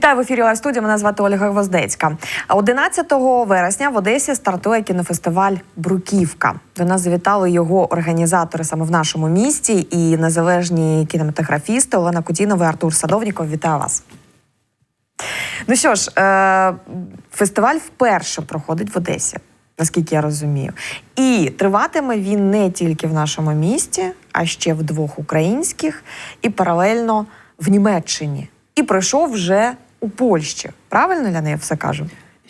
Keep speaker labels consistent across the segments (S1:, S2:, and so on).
S1: Вітаю в ефірі Лайв-студія. Мене звати Ольга Гвоздецька. 11 вересня в Одесі стартує кінофестиваль «Бруківка». До нас завітали його організатори саме в нашому місті і незалежні кінематографісти Олена Кутінова і Артур Садовніков. Вітаю вас. Ну що ж, фестиваль вперше проходить в Одесі, наскільки я розумію. І триватиме він не тільки в нашому місті, а ще в двох українських і паралельно в Німеччині. І пройшов вже у Польщі. Правильно я не все кажу?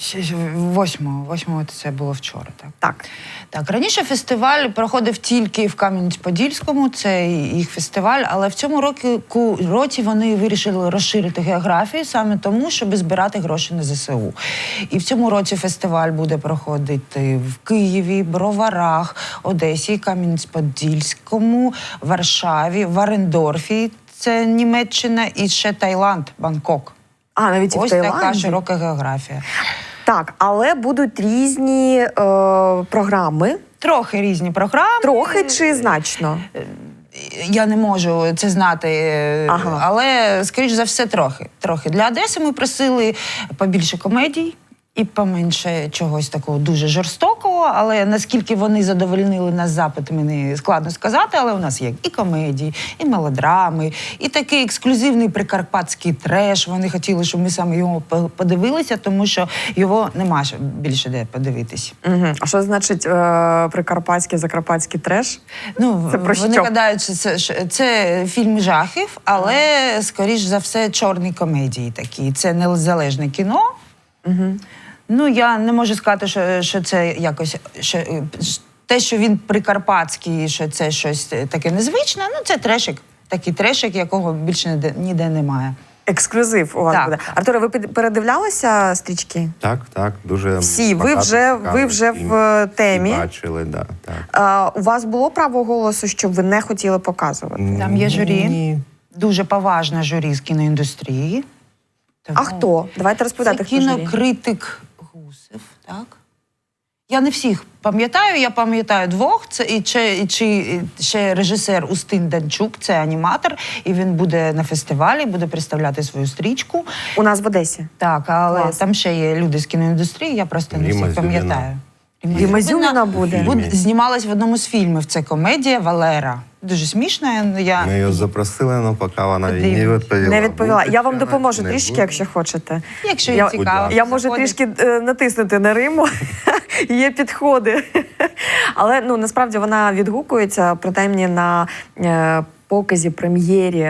S2: 8-го це було вчора, так?
S1: Так.
S2: Раніше фестиваль проходив тільки в Кам'янець-Подільському, це їх фестиваль, але в цьому році вони вирішили розширити географію саме тому, щоб збирати гроші на ЗСУ. І в цьому році фестиваль буде проходити в Києві, Броварах, Одесі, Кам'янець-Подільському, Варшаві, Варендорфі, це Німеччина, і ще Таїланд, Бангкок.
S1: А, навіть і в Таїланді?
S2: Ось така широка географія.
S1: Так, але будуть різні програми.
S2: Трохи різні програми.
S1: Трохи чи значно?
S2: Я не можу це знати,
S1: Ага.
S2: але, скоріш за все, трохи. Для Одеси ми просили побільше комедій і поменше чогось такого дуже жорстокого, але наскільки вони задовольнили нас запит, мені складно сказати, але у нас є і комедії, і мелодрами, і такий ексклюзивний прикарпатський треш. Вони хотіли, щоб ми саме його подивилися, тому що його нема більше де подивитись.
S1: Угу. А що значить прикарпатський, закарпатський треш?
S2: Ну,
S1: це про
S2: вони
S1: що?
S2: гадають, що це фільм жахів, але, скоріш за все, чорні комедії такі. Це незалежне кіно.
S1: Угу.
S2: Ну, я не можу сказати, що це якось... те, що він прикарпатський, що це щось таке незвичне, ну, це трешик. Такий трешик, якого більше ніде немає.
S1: Ексклюзив у вас буде. Артуре, ви передивлялися стрічки?
S3: Так, дуже
S1: всі. Ви вже в темі.
S3: Бачили, так.
S1: У вас було право голосу, щоб ви не хотіли показувати?
S2: Там є журі.
S3: Ні.
S2: Дуже поважна журі з кіноіндустрії.
S1: Тому... А хто? Давайте розповідати,
S2: це
S1: хто журі.
S2: кінокритик Гусев, так? Я не всіх пам'ятаю, я пам'ятаю двох. Це і ще режисер Устин Данчук, це аніматор, і він буде на фестивалі, буде представляти свою стрічку.
S1: У нас в Одесі?
S2: Так, але
S1: Клас.
S2: там ще є люди з кіноіндустрії, я просто не всіх пам'ятаю.
S1: Діма Зюміна буде?
S2: Знімалась в одному з фільмів, це комедія «Валера». Дуже смішна.
S3: Ми її запросили, але поки вона не відповіла.
S1: Не відповіла. Я вам допоможу трішки, якщо хочете.
S2: Якщо цікаво.
S1: Я можу трішки натиснути на Риму. Є підходи. Але насправді вона відгукується, принаймні на показі, прем'єрі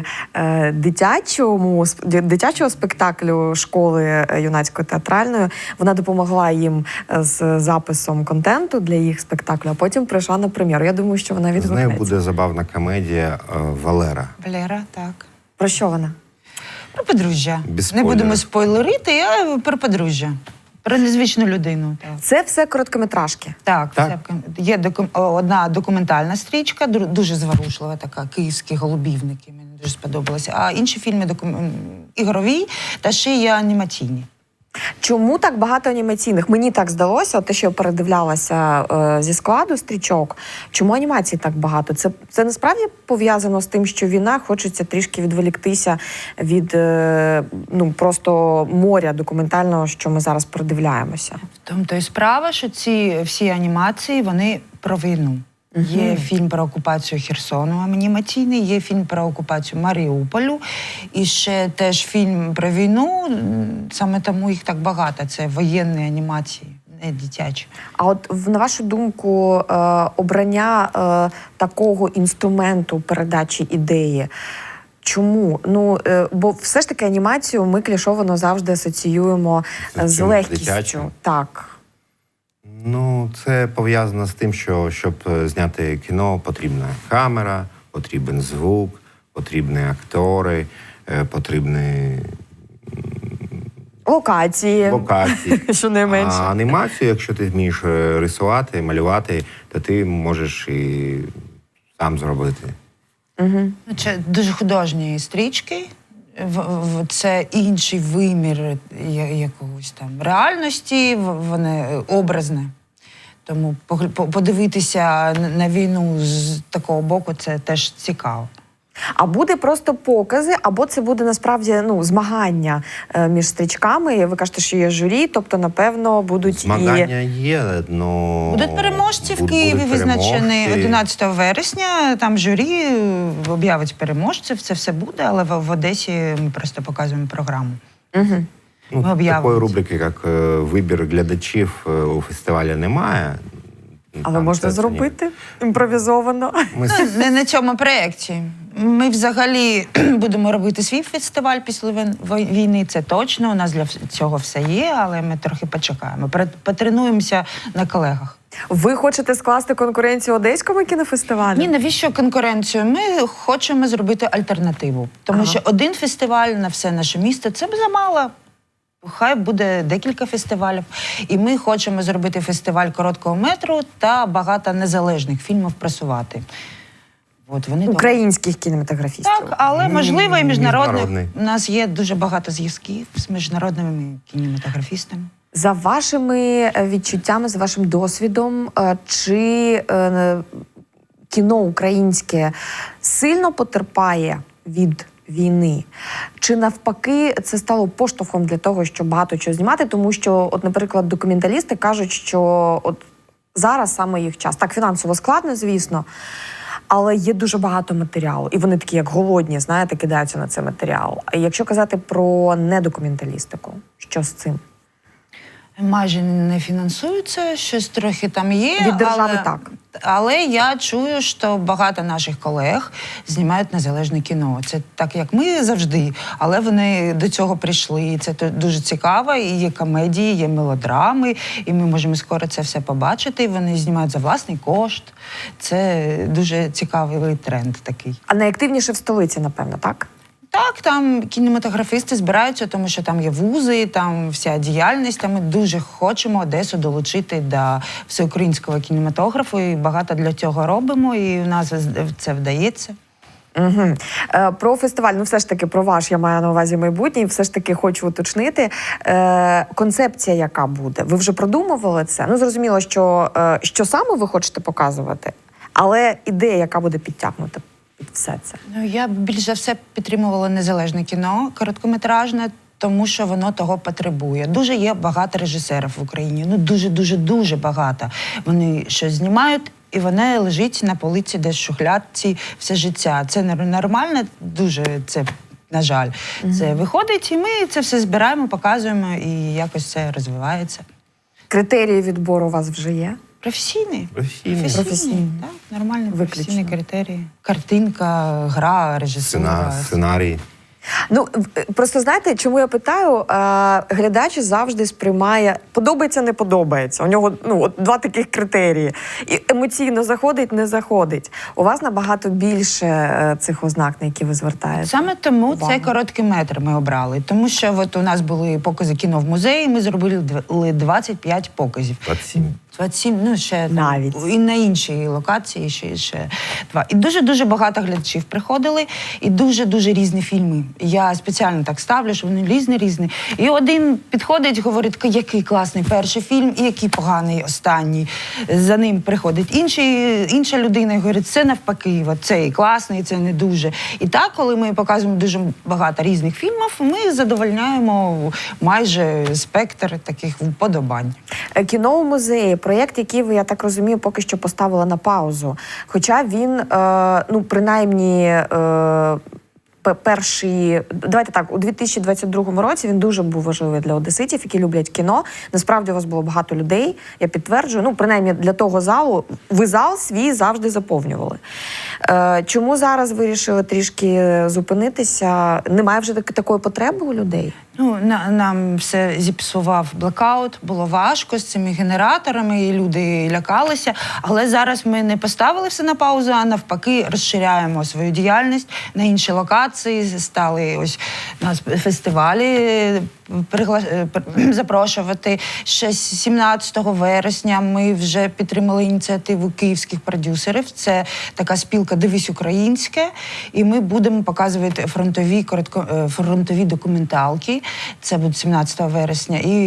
S1: дитячого спектаклю школи юнацької театральної. Вона допомогла їм з записом контенту для їх спектаклю, а потім прийшла на прем'єру. Я думаю, що вона відгукнеться.
S3: З нею буде забавна комедія «Валера».
S2: «Валера», так.
S1: Про що вона?
S2: Про подружжя. Не будемо спойлерити, а про подружжя. Про незвичну людину. Так.
S1: Це все короткометражки?
S2: Так. Є одна документальна стрічка, дуже зворушлива така, «Київські голубівники», мені дуже сподобалося. А інші фільми ігрові та ще є анімаційні.
S1: Чому так багато анімаційних? Мені так здалося, те, що я передивлялася зі складу стрічок, чому анімацій так багато? Це насправді пов'язано з тим, що війна, хочеться трішки відволіктися від просто моря документального, що ми зараз передивляємося.
S2: В тому то і справа, що ці всі анімації, вони про війну. Є фільм про окупацію Херсону анімаційний, є фільм про окупацію Маріуполю, і ще теж фільм про війну, саме тому їх так багато, це воєнні анімації, не дитячі.
S1: А от, на вашу думку, обрання такого інструменту передачі ідеї, чому? Бо все ж таки анімацію ми клішовано завжди асоціюємо з легкістю.
S3: Дитячим?
S1: Так.
S3: Це пов'язано з тим, що щоб зняти кіно, потрібна камера, потрібен звук, потрібні актори, потрібні
S1: локації, що не менше.
S3: А анімацію, якщо ти вмієш рисувати, малювати, то ти можеш і сам зробити.
S2: Угу. Це дуже художні стрічки. Це інший вимір якогось там реальності, вони образне. Тому подивитися на війну з такого боку – це теж цікаво.
S1: А буде просто покази, або це буде насправді змагання між стрічками? Ви кажете, що є журі, тобто, напевно, будуть
S3: Змагання є, но...
S2: Будуть переможці в
S3: будуть
S2: Києві, визначені
S3: переможці.
S2: 11 вересня. Там журі об'явить переможців, це все буде, але в Одесі ми просто показуємо програму.
S1: Угу.
S2: Ми об'явимо.
S3: Такої рубрики, як вибір глядачів у фестивалі, немає.
S1: Але
S3: Там
S1: можна
S3: це
S1: зробити імпровізовано.
S3: Ми
S2: Ну, не на цьому проєкті. Ми взагалі будемо робити свій фестиваль після війни, це точно. У нас для цього все є, але ми трохи почекаємо. Потренуємося на колегах.
S1: Ви хочете скласти конкуренцію Одеському кінофестивалю?
S2: Ні, навіщо конкуренцію? Ми хочемо зробити альтернативу. Тому що один фестиваль на все наше місто – це б замало. Хай буде декілька фестивалів. І ми хочемо зробити фестиваль короткого метру та багато незалежних фільмів просувати. От вони
S1: Українських кінематографістів.
S2: Так, але можливо і міжнародних.
S3: Міжнародний.
S2: У нас є дуже багато зв'язків з міжнародними кінематографістами.
S1: За вашими відчуттями, за вашим досвідом, чи кіно українське сильно потерпає від війни? Чи навпаки це стало поштовхом для того, щоб багато чого знімати? Тому що, от, наприклад, документалісти кажуть, що от зараз саме їх час. Так, фінансово складно, звісно, але є дуже багато матеріалу. І вони такі, як голодні, знаєте, кидаються на цей матеріал. А якщо казати про недокументалістику, що з цим?
S2: Майже не фінансуються, щось трохи там є.
S1: Від держави так.
S2: Але я чую, що багато наших колег знімають незалежне кіно. Це так, як ми завжди, але вони до цього прийшли. І це дуже цікаво. І є комедії, є мелодрами, і ми можемо скоро це все побачити. І вони знімають за власний кошт. Це дуже цікавий тренд такий.
S1: А найактивніше в столиці, напевно, так?
S2: Так, там кінематографісти збираються, тому що там є вузи, там вся діяльність. Та ми дуже хочемо Одесу долучити до всеукраїнського кінематографу, і багато для цього робимо, і у нас це вдається.
S1: Угу. Про фестиваль, все ж таки про ваш, я маю на увазі майбутнє, все ж таки хочу уточнити. Концепція яка буде? Ви вже продумували це? Зрозуміло, що саме ви хочете показувати, але ідея, яка буде підтягнута під все це?
S2: Я більш за все підтримувала незалежне кіно, короткометражне, тому що воно того потребує. Дуже є багато режисерів в Україні, дуже багато. Вони щось знімають, і воно лежить на полиці десь в шухлядці все життя. Це нормально, дуже це, на жаль. Це виходить, і ми це все збираємо, показуємо, і якось це розвивається.
S1: Критерії відбору у вас вже є?
S2: Професійний.
S1: Професійний.
S2: Так, нормальні
S1: Виключно.
S2: професійні критерії. Картинка, гра, режисура.
S3: Сценарій.
S1: Просто знаєте, чому я питаю? Глядач завжди сприймає подобається, не подобається. У нього два таких критерії. І емоційно заходить, не заходить. У вас набагато більше цих ознак, на які ви звертаєте.
S2: Саме тому
S1: увагу.
S2: цей короткий метр ми обрали. Тому що от у нас були покази кіно в музеї, ми зробили 25 показів. 27, ще
S1: навіть.
S2: Там, і на іншій локації ще 2. І дуже багато глядачів приходили, і дуже різні фільми. Я спеціально так ставлю, що вони різні. І один підходить, говорить, який класний перший фільм, і який поганий останній. За ним приходить інша людина і говорить, це навпаки, цей класний, це не дуже. І так, коли ми показуємо дуже багато різних фільмів, ми задовольняємо майже спектр таких вподобань.
S1: Кіно у музеї. Проєкт, який ви, я так розумію, поки що поставили на паузу. Хоча він, принаймні, перший, давайте так, у 2022 році він дуже був важливий для одеситів, які люблять кіно. Насправді у вас було багато людей, я підтверджую. Принаймні для того залу, ви зал свій завжди заповнювали. Чому зараз вирішили трішки зупинитися? Немає вже такої потреби у людей?
S2: Нам все зіпсував блекаут, було важко з цими генераторами, і люди лякалися. Але зараз ми не поставили все на паузу, а навпаки розширяємо свою діяльність на інші локації, стали ось нас фестивалі запрошувати. Ще 17 вересня ми вже підтримали ініціативу київських продюсерів. Це така спілка «Дивись українське», і ми будемо показувати фронтові документалки. Це буде 17 вересня. І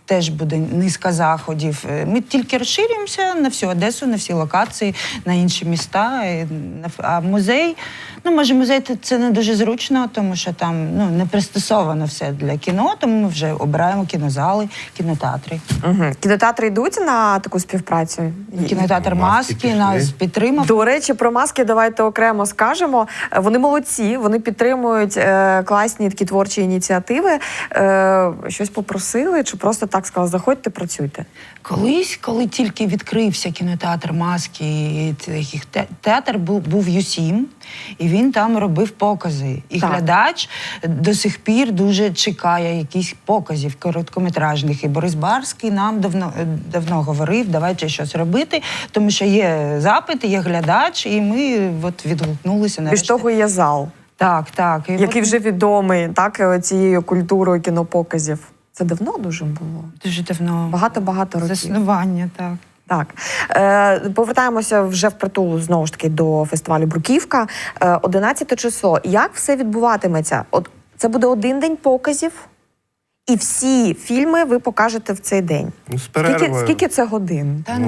S2: теж буде низка заходів. Ми тільки розширюємося на всю Одесу, на всі локації, на інші міста. А музей, може, музей це не дуже зручно, тому що там не пристосовано все для кіно, тому ми вже обираємо кінозали, кінотеатри.
S1: Угу. Кінотеатри йдуть на таку співпрацю?
S2: Кінотеатр
S3: Маски
S2: «Маски» нас підтримав.
S1: До речі, про маски давайте окремо скажемо. Вони молодці, вони підтримують класні такі творчі ініціативи. Щось попросили чи просто так сказали, заходьте, працюйте?
S2: Колись, коли тільки відкрився кінотеатр «Маски», театр був U7, і він там робив покази. І
S1: так.
S2: Глядач до сих пір дуже чекає якихось показів короткометражних. І Борис Барський нам давно говорив, давайте щось робити, тому що є запит, є глядач, і ми відгукнулися нарешті.
S1: Більш того, є зал.
S2: Так. І
S1: який вже відомий цією культурою кінопоказів. Це давно дуже було?
S2: Дуже давно.
S1: Багато років.
S2: Заснування, так.
S1: Так. Повертаємося вже впритул, знову ж таки, до фестивалю «Бруківка». 11 число. Як все відбуватиметься? Це буде один день показів, і всі фільми ви покажете в цей день.
S3: З перервою.
S1: Скільки це годин?
S2: Та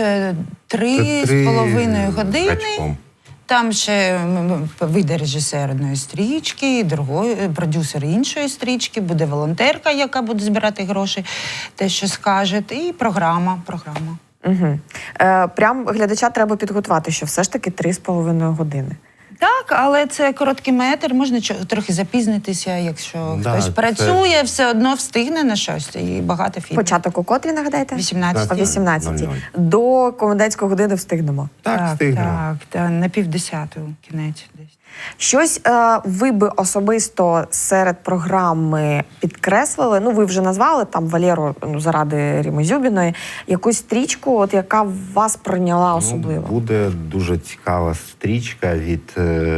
S2: 3,5 години.
S3: Гачком.
S2: Там ще вийде режисер одної стрічки, другої, продюсер іншої стрічки, буде волонтерка, яка буде збирати гроші, те, що скаже, і програма.
S1: Угу. Прям глядача треба підготувати, що все ж таки 3,5 години.
S2: Так, але це короткий метр, можна трохи запізнитися, якщо хтось працює, все одно встигне на щось, і багато фільмів.
S1: Початок у котрі, нагадайте?
S2: 18.
S1: О 18. До комендантської години встигнемо.
S3: Так, встигнемо.
S2: Так, на 9:30 кінець десь.
S1: Щось ви би особисто серед програми підкреслили, ви вже назвали там Валеру заради Ріми Зюбіної, якусь стрічку, яка вас прийняла особливо?
S3: Буде дуже цікава стрічка від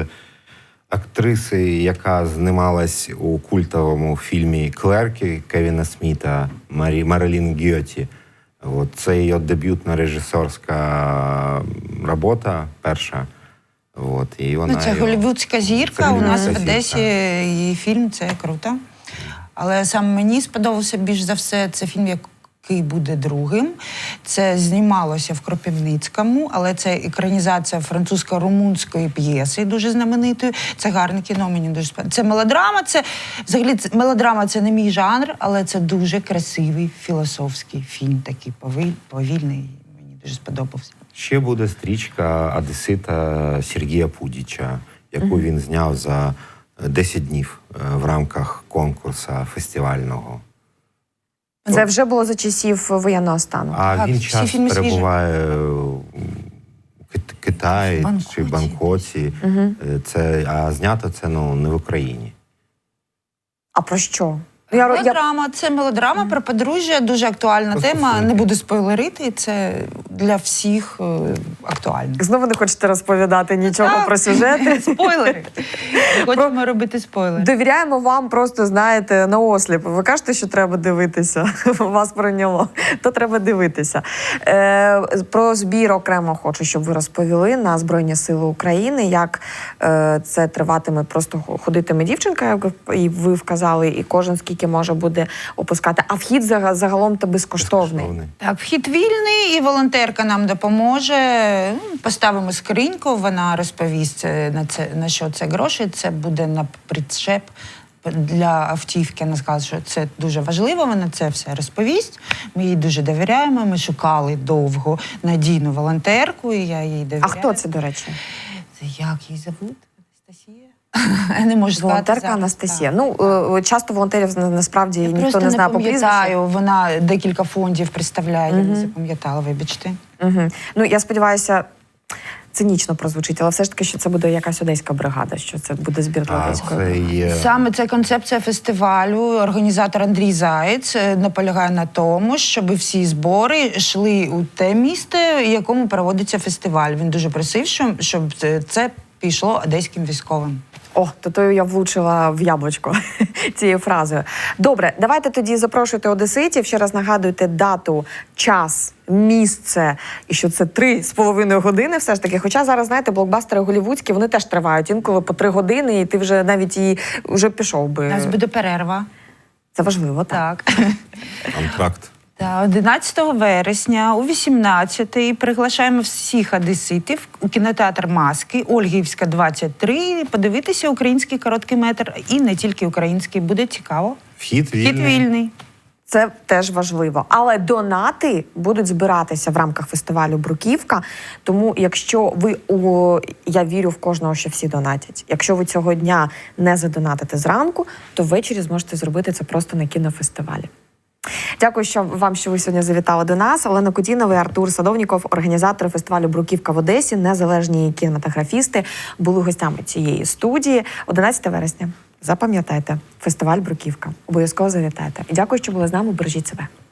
S3: актриси, яка знімалась у культовому фільмі «Клерки» Кевіна Сміта, Марилін Гьоті. Це її дебютна режисерська робота, перша. І вона
S2: це голлівудська зірка, у нас в Одесі її фільм, це круто. Але саме мені сподобався більш за все, це фільм, який буде другим. Це знімалося в Кропивницькому, але це екранізація французько-румунської п'єси, дуже знаменитої. Це гарне кіно, мені дуже сподобається. Це мелодрама, мелодрама це не мій жанр, але це дуже красивий філософський фільм, такий повільний, мені дуже сподобався.
S3: Ще буде стрічка одесита Сергія Пудіча, яку він зняв за 10 днів в рамках конкурсу фестивального.
S1: Це вже було за часів воєнного стану.
S3: А він час перебуває у Китаї чи Бангкоці. А знято це не в Україні.
S1: А про що?
S2: Це мелодрама про подружжя, дуже актуальна тема. Не буду спойлерити, це для всіх актуально.
S1: Знову не хочете розповідати нічого про сюжети?
S2: Спойлери. Хочемо робити спойлери.
S1: Довіряємо вам просто, знаєте, на осліп. Ви кажете, що треба дивитися. Вас прийняло. То треба дивитися. Про збір окремо хочу, щоб ви розповіли на Збройні Сили України, як це триватиме, просто ходитиме дівчинка, як і ви вказали, і кожен скільки може буде опускати. А вхід загалом-то безкоштовний.
S2: Так, вхід вільний, і волонтерка нам допоможе. Поставимо скриньку, вона розповість, на що це гроші. Це буде на причеп для автівки. Вона сказала, що це дуже важливо, вона це все розповість. Ми їй дуже довіряємо, ми шукали довго надійну волонтерку, і я їй довіряю.
S1: А хто це, до речі?
S2: Це як її зовут? Анастасія? Я не можу сказати.
S1: Волонтерка Анастасія. Часто волонтерів насправді ніхто не знає по прізвищу.
S2: Вона декілька фондів представляє, я не запам'ятала, вибачте.
S1: Я сподіваюся, цинічно прозвучить, але все ж таки, що це буде якась одеська бригада, що це буде збір для одеської.
S2: Саме це концепція фестивалю. Організатор Андрій Заєць наполягає на тому, щоб всі збори йшли у те місто, в якому проводиться фестиваль. Він дуже просив, щоб це пішло одеським військовим.
S1: То я влучила в яблучко цією фразою. Добре, давайте тоді запрошуйте одеситів. Ще раз нагадуйте дату, час, місце, і що це 3,5 години все ж таки. Хоча зараз, знаєте, блокбастери голлівудські, вони теж тривають інколи по 3 години, і ти вже навіть вже пішов би.
S2: У нас буде перерва.
S1: Це важливо, так.
S2: Так.
S3: Антракт.
S2: Та 11 вересня о 18-й приглашаємо всіх одеситів у кінотеатр «Маски», Ольгівська, 23, подивитися український короткий метр. І не тільки український, буде цікаво.
S3: Вхід
S2: Хід вільний.
S1: Це теж важливо. Але донати будуть збиратися в рамках фестивалю «Бруківка». Тому якщо ви, я вірю в кожного, що всі донатять. Якщо ви цього дня не задонатите зранку, то ввечері зможете зробити це просто на кінофестивалі. Дякую, що ви сьогодні завітали до нас. Олена Кутінова і Артур Садовніков, організатори фестивалю «Бруківка» в Одесі, незалежні кінематографісти, були гостями цієї студії. 11 вересня. Запам'ятайте, фестиваль «Бруківка». Обов'язково завітайте. І дякую, що були з нами. Бережіть себе.